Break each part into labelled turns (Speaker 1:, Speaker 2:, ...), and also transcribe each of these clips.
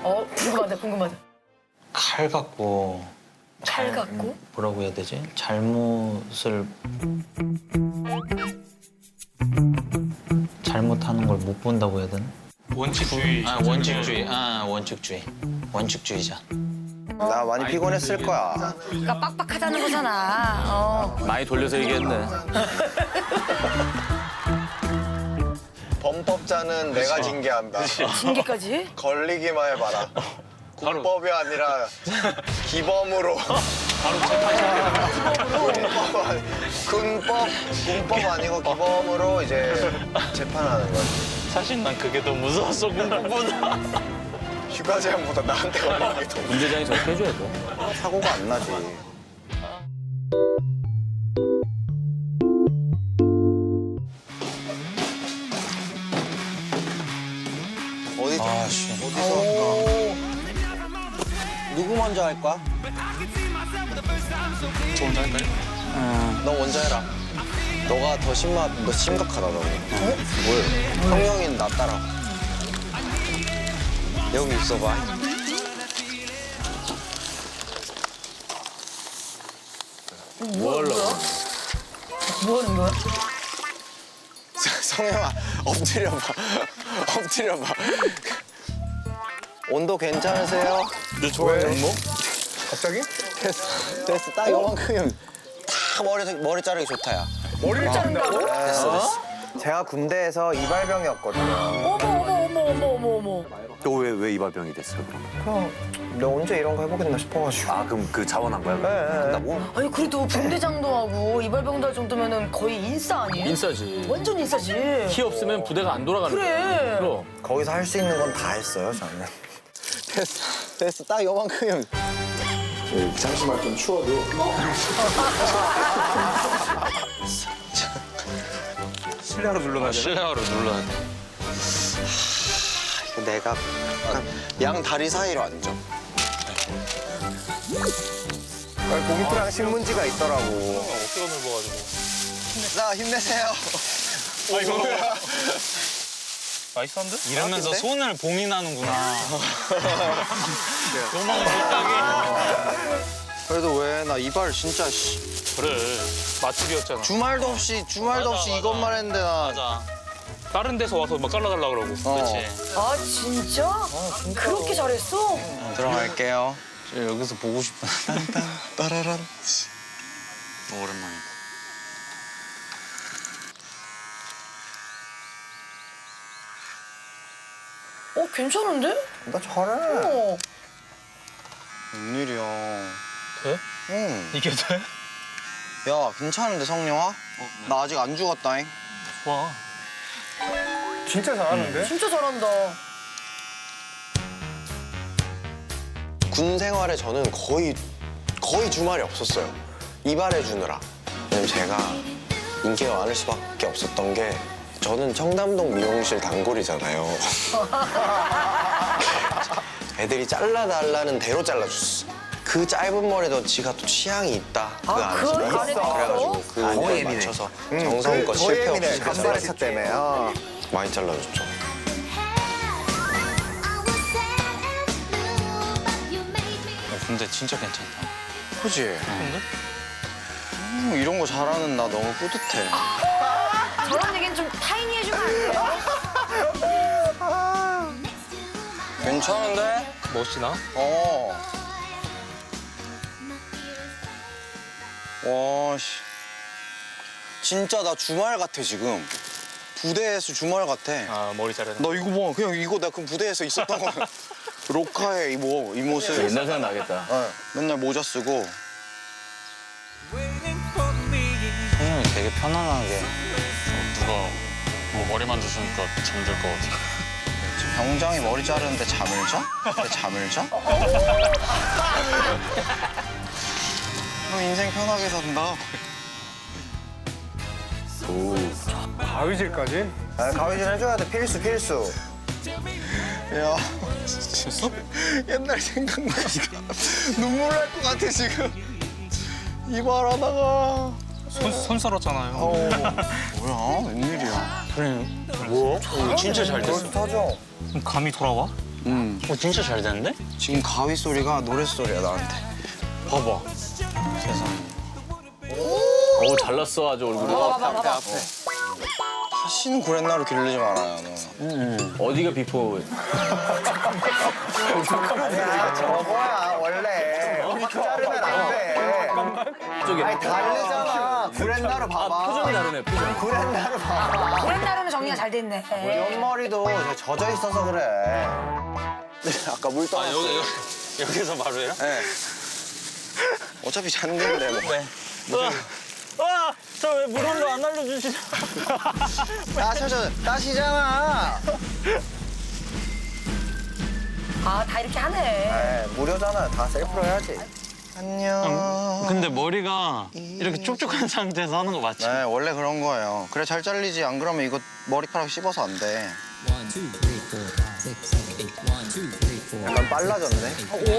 Speaker 1: 궁금하다.
Speaker 2: 칼 갖고
Speaker 1: 칼 갖고?
Speaker 2: 뭐라고 해야 되지? 잘못하는 걸 못 본다고 해야 되나?
Speaker 3: 원칙주의.
Speaker 2: 원칙주의자.
Speaker 4: 나 많이 피곤했을 거야.
Speaker 1: 그러니까 빡빡하다는 거잖아.
Speaker 3: 많이 돌려서 얘기했네.
Speaker 4: 범법자는 내가 징계한다.
Speaker 1: 징계까지?
Speaker 4: 걸리기만 해봐라. 군법이 아니라 기범으로.
Speaker 3: 바로 재판
Speaker 4: 군법 아니고 기범으로 이제 재판하는 거지.
Speaker 2: 사실 난 그게 더 무서웠어, 공부보다.
Speaker 4: 휴가 제한보다 나한테 걸리는 게 더.
Speaker 3: 문제장이 저렇게 해줘야 돼.
Speaker 4: 사고가 안 나지. 어디죠? 어디서? 누구 먼저 할 거야?
Speaker 3: 저 혼자 할까요?
Speaker 4: 너 먼저 해라. 너가 더 심각하다, 너. 뭘? 성형인 나 따라. 여기 있어봐.
Speaker 1: 뭐 하는 거야?
Speaker 4: 성형아, 엎드려봐. 엎드려봐. 온도 괜찮으세요?
Speaker 3: 네, 좋아요. 뭐?
Speaker 4: 갑자기? 됐어. 딱 요만큼이면 딱 머리 자르기 좋다, 야.
Speaker 1: 머리를 자른다고?
Speaker 4: 됐어. 제가 군대에서 이발병이었거든요.
Speaker 1: 어머.
Speaker 5: 너 왜 이발병이 됐어요, 그럼?
Speaker 4: 그럼 내가 언제 이런 거 해보겠나 싶어가지고.
Speaker 5: 아, 그럼 그 자원한 거야?
Speaker 4: 네.
Speaker 5: 한다고?
Speaker 1: 아니 그래도 분대장도 하고 이발병도 할 정도면은 거의 인싸 아니에요?
Speaker 3: 인싸지.
Speaker 1: 완전 인싸지.
Speaker 3: 키 없으면 부대가 안 돌아가는 거야.
Speaker 1: 그래.
Speaker 3: 그럼.
Speaker 4: 거기서 할 수 있는 건 다 했어요, 저는. 됐어. 딱 요만큼이면.
Speaker 6: 잠시만 좀 추워도
Speaker 3: 실내로 눌러놔야 돼.
Speaker 2: 실내화로 눌러야 돼.
Speaker 4: 내가 약간 양 다리 사이로 앉아. 봉투랑 신문지가 있더라고.
Speaker 3: 어깨가 넓어가지고.
Speaker 4: 자, 힘내세요.
Speaker 3: 이거 나이스한데?
Speaker 2: 이러면서
Speaker 4: 근데?
Speaker 2: 손을 봉인하는구나. 요만 못하게.
Speaker 4: 그래도 왜 나 이발 진짜
Speaker 3: 그래. 맛집이었잖아.
Speaker 4: 주말도 없이
Speaker 2: 맞아.
Speaker 4: 이것만 했는데 나.
Speaker 2: 맞아.
Speaker 3: 다른 데서 와서 막 잘라달라 그러고.
Speaker 2: 그렇지.
Speaker 1: 아 진짜? 그렇게 잘했어?
Speaker 4: 들어갈게요.
Speaker 2: 저 여기서 보고 싶다.
Speaker 4: 따라란.
Speaker 2: 오랜만이다.
Speaker 1: 괜찮은데?
Speaker 4: 나 잘해.
Speaker 1: 어.
Speaker 4: 웬일이야.
Speaker 3: 돼?
Speaker 4: 응.
Speaker 3: 이게 돼?
Speaker 4: 야, 괜찮은데, 성룡아? 나 아직 안 죽었다잉.
Speaker 3: 와.
Speaker 6: 진짜 잘하는데?
Speaker 1: 진짜 잘한다.
Speaker 4: 군 생활에 저는 거의 주말이 없었어요. 이발해 주느라. 왜냐면 제가 인기가 많을 수밖에 없었던 게 저는 청담동 미용실 단골이잖아요. 애들이 잘라달라는 대로 잘라줬어. 그 짧은 머리도 지가 또 취향이 있다. 그 안에서.
Speaker 1: 그 안에 있어?
Speaker 4: 그래가지고 그 안에 맞춰서 정성껏 실패 없이
Speaker 6: 간발의 차 때문에.
Speaker 4: 많이 잘라줬죠.
Speaker 2: 근데 진짜 괜찮다.
Speaker 4: 그지? 이런 거 잘하는 나 너무 뿌듯해.
Speaker 1: 저런 얘기는 좀 타이니 해주면 안 돼요?
Speaker 4: 괜찮은데?
Speaker 3: 멋지나?
Speaker 4: 와, 씨. 진짜 나 주말 같아, 지금. 부대에서 주말 같아.
Speaker 3: 아, 머리 자르는.
Speaker 4: 나 이거 봐. 그냥 이거 나 그 부대에서 있었던 거. 로카의 이 모습.
Speaker 3: 옛날 생각 나겠다.
Speaker 4: 네, 맨날 모자 쓰고.
Speaker 2: 성형이 되게 편안하게. 누가 뭐 머리 만져주니까 잠들 것 같아.
Speaker 4: 지금 병장이 머리 자르는데 잠을 자? 근데 잠을 자? 너 인생 편하게 산다.
Speaker 6: 가위질까지?
Speaker 4: 아, 가위질 해줘야 돼. 필수. 야, 진짜 옛날 생각나니까 눈물 날 것 같아, 지금. 이발하다가.
Speaker 3: 손 썰었잖아요.
Speaker 4: 뭐야, 웬일이야.
Speaker 2: 뭐?
Speaker 3: 진짜 잘 됐어.
Speaker 4: 그럴듯하죠?
Speaker 3: 그럼 감이 돌아와?
Speaker 2: 진짜 잘 되는데?
Speaker 4: 지금 가위 소리가 노래 소리야 나한테.
Speaker 2: 봐봐. 세상에.
Speaker 3: 오 잘났어 아주 얼굴이.
Speaker 4: 앞에 앞에. 다시는 구렛나루 기르지 말아요 너.
Speaker 3: 어디가 비포?
Speaker 6: 아니야 저거야 원래. 자르면 안 돼.
Speaker 3: 저기.
Speaker 6: 아니 다르잖아. 구렛나루 봐봐.
Speaker 3: 표정이 다르네 표정.
Speaker 6: 구렛나루 봐봐.
Speaker 1: 구렛나루는 정리가 잘 됐네.
Speaker 6: 옆머리도 젖어 있어서 그래.
Speaker 4: 아까 물 떠났어.
Speaker 2: 여기서 바로 해요?
Speaker 4: 네. 어차피 잔대인데 뭐.
Speaker 2: 네. 와! 저 왜 물온 거 안 알려주시죠?
Speaker 6: 따시잖아.
Speaker 1: 아, 다 이렇게 하네.
Speaker 6: 네, 무료잖아. 다 셀프로 해야지. 안녕.
Speaker 2: 근데 머리가 이렇게 촉촉한 상태에서 하는 거 맞지?
Speaker 4: 네 원래 그런 거예요. 그래 잘 잘리지. 안 그러면 이거 머리카락 씹어서 안 돼.
Speaker 6: 약간 빨라졌네.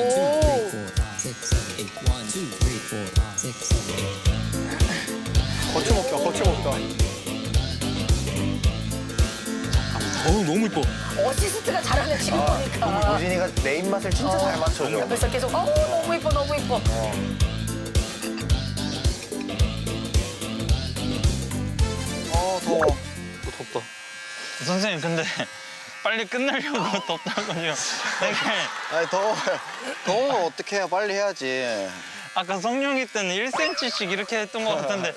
Speaker 6: 거쳐먹자, 거쳐먹자.
Speaker 3: 어우 너무 이뻐.
Speaker 1: 어시스트가 잘하네, 지금 보니까.
Speaker 6: 우진이가 내 입맛을 진짜 잘 맞춰줘.
Speaker 1: 옆에서 계속, 어우, 너무 이뻐, 너무 이뻐.
Speaker 4: 더워.
Speaker 2: 덥다. 선생님 근데 빨리 끝내려고 덥다고요. 이게
Speaker 4: 아니 더워요. 더우면 어떻게 해요? 빨리 해야지.
Speaker 2: 아까 성룡이 때는 1cm씩 이렇게 했던 것 같은데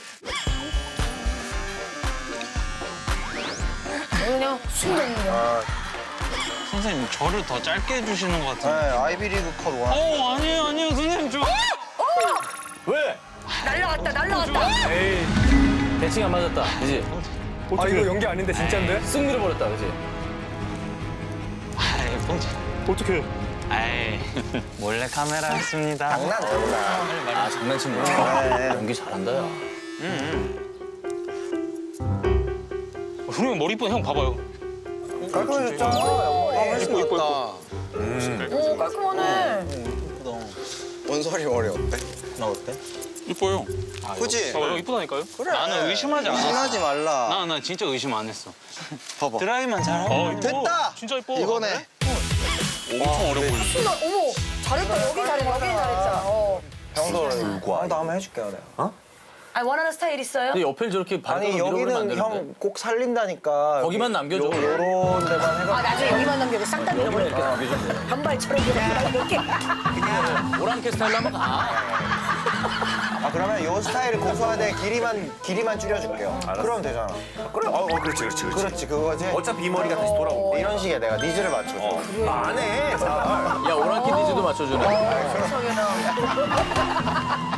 Speaker 1: 그냥 순정이요.
Speaker 2: 선생님 저를 더 짧게 해주시는 것
Speaker 4: 네
Speaker 2: 같은데.
Speaker 4: 아이비리그 컷 원.
Speaker 2: 아니에요 선생님 저.
Speaker 3: 왜?
Speaker 1: 날라갔다, 날라갔다.
Speaker 3: 에이 대칭 안 맞았다. 그지?
Speaker 6: 아, 이거 연기 아닌데 진짜인데?
Speaker 3: 쓱 밀어버렸다. 그지?
Speaker 2: 아이 뽕치.
Speaker 6: 어떻게?
Speaker 2: 아이 몰래 카메라 했습니다.
Speaker 6: 장난.
Speaker 3: 아 장난친 거야. 연기 잘한다 야.
Speaker 2: 형님 머리 이쁜 형 봐봐요.
Speaker 6: 깔끔해졌잖아, 옆머리.
Speaker 4: 훨씬 낫다.
Speaker 1: 오, 깔끔하네.
Speaker 4: 원설이 머리 어때?
Speaker 2: 나 어때? 이뻐요.
Speaker 4: 그지?
Speaker 2: 봐봐요 이쁘다니까요? 그래. 나는 의심하지 않았어.
Speaker 4: 의심하지 말라.
Speaker 2: 나 진짜 의심 안 했어.
Speaker 4: 봐봐.
Speaker 2: 드라이만 잘하고.
Speaker 4: 됐다!
Speaker 2: 진짜 이뻐.
Speaker 4: 이거네.
Speaker 2: 엄청 어려 보이네.
Speaker 1: 순아, 어머, 잘했다. 여긴 잘했다, 여긴 잘했잖아.
Speaker 6: 형도 나 한번 해줄게요, 내가.
Speaker 1: 아니, 원하는 스타일 있어요?
Speaker 3: 근데 옆에 저렇게
Speaker 6: 아니,
Speaker 3: 발가락 밀어버리면 안
Speaker 6: 여기는
Speaker 3: 되는데.
Speaker 6: 형 꼭 살린다니까.
Speaker 3: 거기만 남겨줘.
Speaker 6: 요런 데만 해가지고.
Speaker 1: 아, 나중에 여기만 남겨고 싹 다
Speaker 3: 이렇게
Speaker 1: 밀어버릴까.
Speaker 3: 남겨주면 돼.
Speaker 1: 반발처럼 이렇게.
Speaker 3: 오랑캐 스타일로 한번 가.
Speaker 6: 아, 그러면 요 스타일을 고수하되 길이만 줄여줄게요. 그러면 되잖아.
Speaker 5: 그래. 그렇지.
Speaker 6: 그렇지, 그거지.
Speaker 5: 어차피 이 머리가 다시 돌아오고.
Speaker 6: 이런 식의 내가 니즈를 맞춰줘. 안 해, 잘.
Speaker 3: 야 오랑캐 니즈도 맞춰주네.
Speaker 1: 세상에나.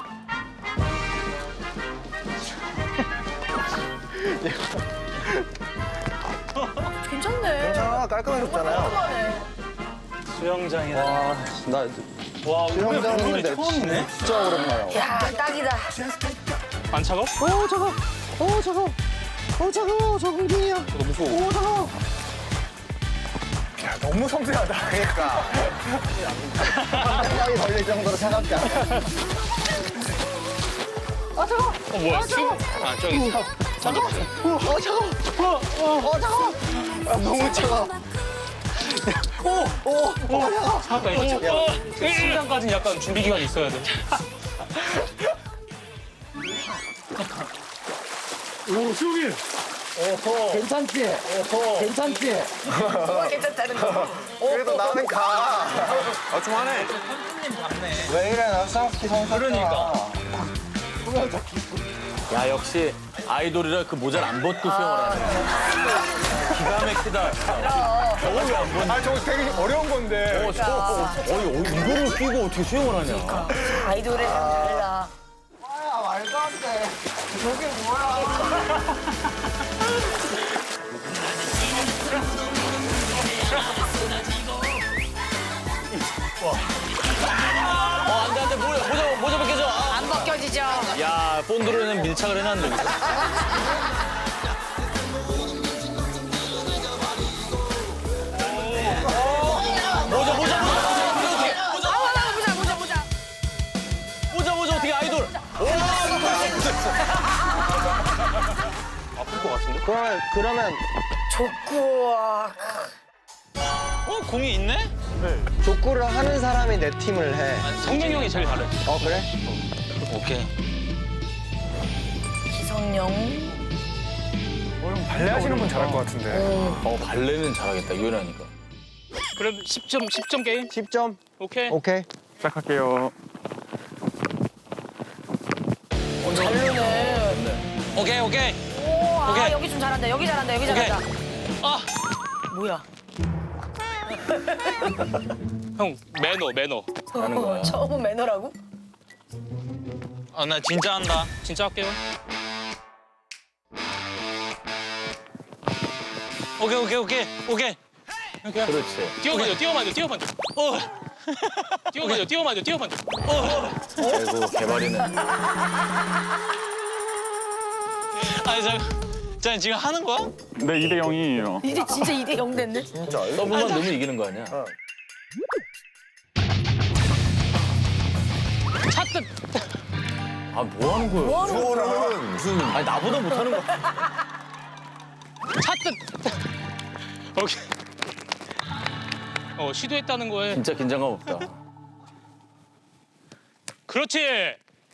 Speaker 1: 괜찮네.
Speaker 6: 괜찮아, 깔끔해졌잖아요.
Speaker 1: 깔끔하네.
Speaker 2: 수영장이다.
Speaker 6: 나
Speaker 2: 와
Speaker 6: 수영장 있는데
Speaker 2: 처음이네.
Speaker 6: 진짜 오랜만이야.
Speaker 1: 야, 딱이다.
Speaker 2: 안 차가워?
Speaker 6: 야, 너무 섬세하다. 그러니까. 땀이 걸릴 정도로 차갑지 않아.
Speaker 2: 뭐야? 아 저기.
Speaker 6: 너무 차가워.
Speaker 2: 잠깐 이거. 심장까지는 약간 준비 기간이 있어야 돼.
Speaker 1: 뭐가 괜찮다는 거.
Speaker 6: 그래도 나는 가.
Speaker 5: 좀 하네.
Speaker 6: 왜 이래, 나 싸우기 성사.
Speaker 3: 그러니까. 야 역시 아이돌이라 그 모자를 안 벗고 수영을 하네. 기가 막히다.
Speaker 6: 아, 저거 되게 어려운 건데.
Speaker 3: 이거를 끼고 어떻게 수영을 하냐.
Speaker 1: 아이돌에 달라.
Speaker 6: 아, 말도 안 돼. 저게 뭐야.
Speaker 3: 안돼 모자 벗겨져.
Speaker 1: 안 벗겨지죠?
Speaker 3: 야 본드로는 밀착을 해놨는데. 모자 어떻게 아이돌.
Speaker 6: 그러면
Speaker 1: 좋고.
Speaker 2: 공이 있네?
Speaker 6: 족구를 하는 사람이 내 팀을 해.
Speaker 2: 성민이 형이 제일 잘해.
Speaker 6: 그래?
Speaker 2: 오케이.
Speaker 1: 기성용.
Speaker 5: 발레 하시는 분 잘할 것 같은데.
Speaker 3: 발레는 잘하겠다, 유연하니까.
Speaker 7: 그럼 10점 게임?
Speaker 6: 10점?
Speaker 7: 오케이.
Speaker 6: 오케이.
Speaker 5: 시작할게요.
Speaker 1: 잘 노네.
Speaker 2: 오케이.
Speaker 1: 오, 아,
Speaker 2: 오케이.
Speaker 1: 여기 좀 잘한다. 여기 잘한다. 여기
Speaker 2: 오케이.
Speaker 1: 잘한다.
Speaker 2: 아,
Speaker 1: 뭐야?
Speaker 7: 형 매너.
Speaker 3: 하는 거야.
Speaker 1: 처음은 매너라고?
Speaker 2: 나 진짜 한다.
Speaker 7: 진짜 할게요.
Speaker 2: 오케이.
Speaker 3: 그렇지.
Speaker 7: 뛰어만져. 뛰어만져.
Speaker 3: 아이고, 개발이는.
Speaker 2: 아니, 자, 지금 하는 거야?
Speaker 5: 네, 2대 0이에요.
Speaker 1: 이제 진짜 2대 0 됐네.
Speaker 3: 서브만 넣으면 이기는 거 아니야?
Speaker 7: 차뜻.
Speaker 3: 아, 뭐 하는 거야?
Speaker 1: 뭐 하는 거야?
Speaker 3: 무슨. 아니, 나보다 못하는 거야.
Speaker 7: 차뜻. 오케이. 시도했다는 거에.
Speaker 3: 진짜 긴장감 없다.
Speaker 7: 그렇지.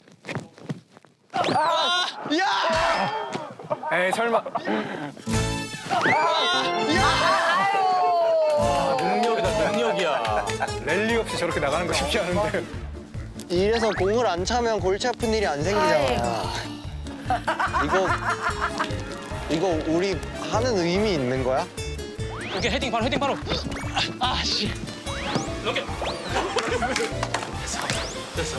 Speaker 5: 에이, 설마.
Speaker 3: 능력이야.
Speaker 5: 랠리 없이 저렇게 나가는 거 쉽지 않은데.
Speaker 6: 이래서 공을 안 차면 골치 아픈 일이 안 생기잖아. 이거 우리 하는 의미 있는 거야?
Speaker 7: 오케이, 헤딩 바로. 아, 씨. 이렇게. 됐어.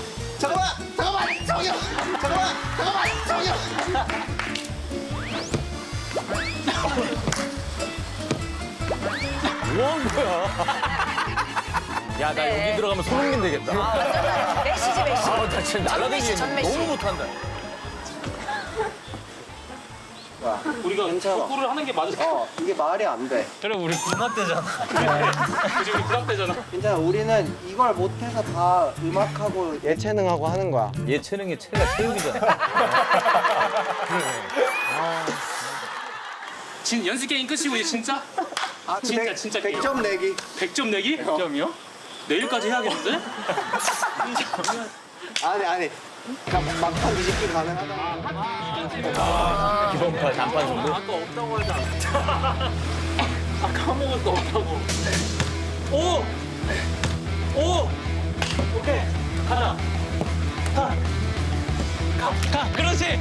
Speaker 3: 뭐 하는 거야? 야, 나
Speaker 1: 네.
Speaker 3: 여기 들어가면 손흥민 되겠다.
Speaker 1: 메시지, 메시.
Speaker 3: 아, 나 진짜 날라다니겠네.
Speaker 1: 전메시.
Speaker 3: 너무 못한다.
Speaker 7: 우리가 족구를 하는 게 맞아.
Speaker 6: 이게 말이 안 돼.
Speaker 7: 그래, 우리 군합대잖아. 그치, 우리 군합대잖아.
Speaker 6: 괜찮아, 우리는 이걸 못해서 다 음악하고 예체능하고 하는 거야.
Speaker 3: 예체능의 체가 체육이잖아.
Speaker 7: 연습 게임 끝이고, 이제 진짜? 진짜 게임.
Speaker 6: 100점 내기.
Speaker 7: 100점 내기? 100점이요? 내일까지 해야겠는데?
Speaker 6: 아니. 막판 뒤집기 가능하다.
Speaker 3: 기본파 단판 정도?
Speaker 7: 아까 없다고 하지 않았어? 아까 먹을 거 없다고. 오! 오케이. 가자. 가. 그렇지.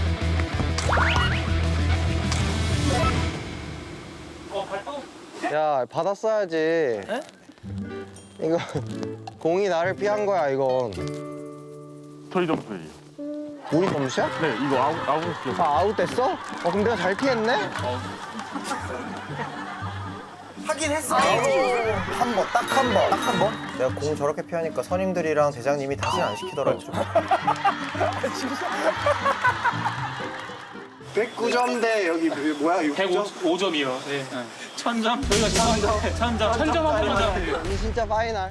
Speaker 7: 발톱.
Speaker 6: 야, 받았어야지. 이거 공이 나를 피한 거야, 이건.
Speaker 5: 저희 점수예요.
Speaker 6: 우리 점수야?
Speaker 5: 네, 이거 아웃이요.
Speaker 6: 아, 아웃됐어? 그럼 내가 잘 피했네? 하긴 했어. 한 번, 딱 한 번. 딱 한 번? 내가 공 저렇게 피하니까 선임들이랑 대장님이 다시는 안 시키더라고. 109점 대 여기 뭐야?
Speaker 7: 105점이요. 네. 1000점? 저희가 1000점 하면
Speaker 6: 이 진짜 파이널.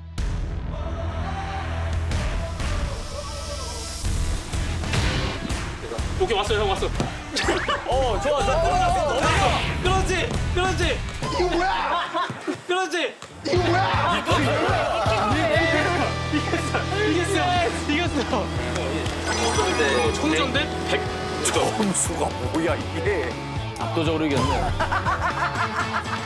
Speaker 7: 오케이, 왔어요. 형 왔어.
Speaker 3: 좋아.
Speaker 7: 그렇지.
Speaker 6: 이거 뭐야?
Speaker 7: 그렇지.
Speaker 6: 이거 뭐야?
Speaker 7: 이겼어. 총점대 100점.
Speaker 3: 점수가 뭐야, 이게. 압도적으로 이겼네.